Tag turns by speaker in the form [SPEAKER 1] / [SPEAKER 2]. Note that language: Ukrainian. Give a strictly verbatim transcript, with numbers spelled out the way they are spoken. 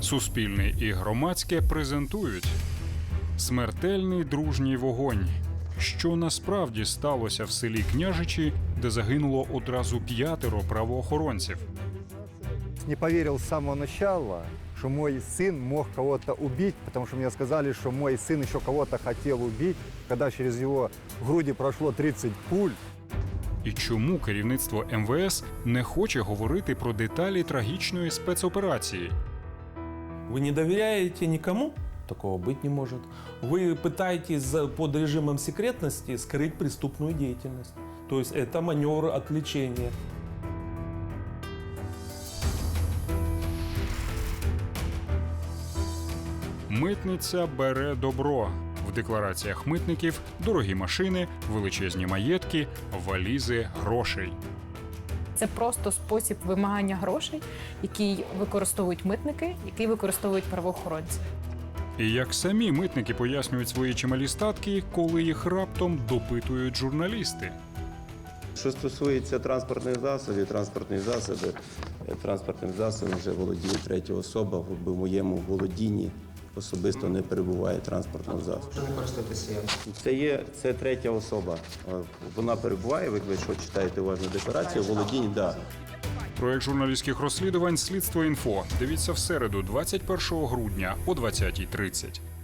[SPEAKER 1] Суспільне і громадське презентують смертельний дружній вогонь. Що насправді сталося в селі Княжичі, де загинуло одразу п'ятеро правоохоронців?
[SPEAKER 2] Не поверил с самого начала, что мой сын мог кого-то убить, потому что мне сказали, что мой сын еще кого-то хотел убить, когда через его груди прошло тридцать пуль.
[SPEAKER 1] І чому керівництво ем ве ес не хоче говорити про деталі трагічної спецоперації?
[SPEAKER 3] Вы не доверяете никому? Такого быть не может. Вы пытаетесь под режимом секретности скрыть преступную деятельность. То есть это маневр отвлечения.
[SPEAKER 1] Митниця бере добро. В деклараціях митників дорогі машини, величезні маєтки, валізи грошей.
[SPEAKER 4] Це просто спосіб вимагання грошей, який використовують митники, який використовують правоохоронці.
[SPEAKER 1] І як самі митники пояснюють свої чималі статки, коли їх раптом допитують журналісти.
[SPEAKER 5] Що стосується транспортних засобів, транспортні засоби, транспортним засобом вже володіє третя особа, в моєму володінні особисто не перебуває транспортного засобу.
[SPEAKER 6] Що не користуєтеся?
[SPEAKER 5] Це є це третя особа. Вона перебуває, ви що читаєте уважно декларацію, володіння, да.
[SPEAKER 1] Проект журналістських розслідувань «Слідство інфо». Дивіться в середу, двадцять першого грудня о двадцятій тридцять.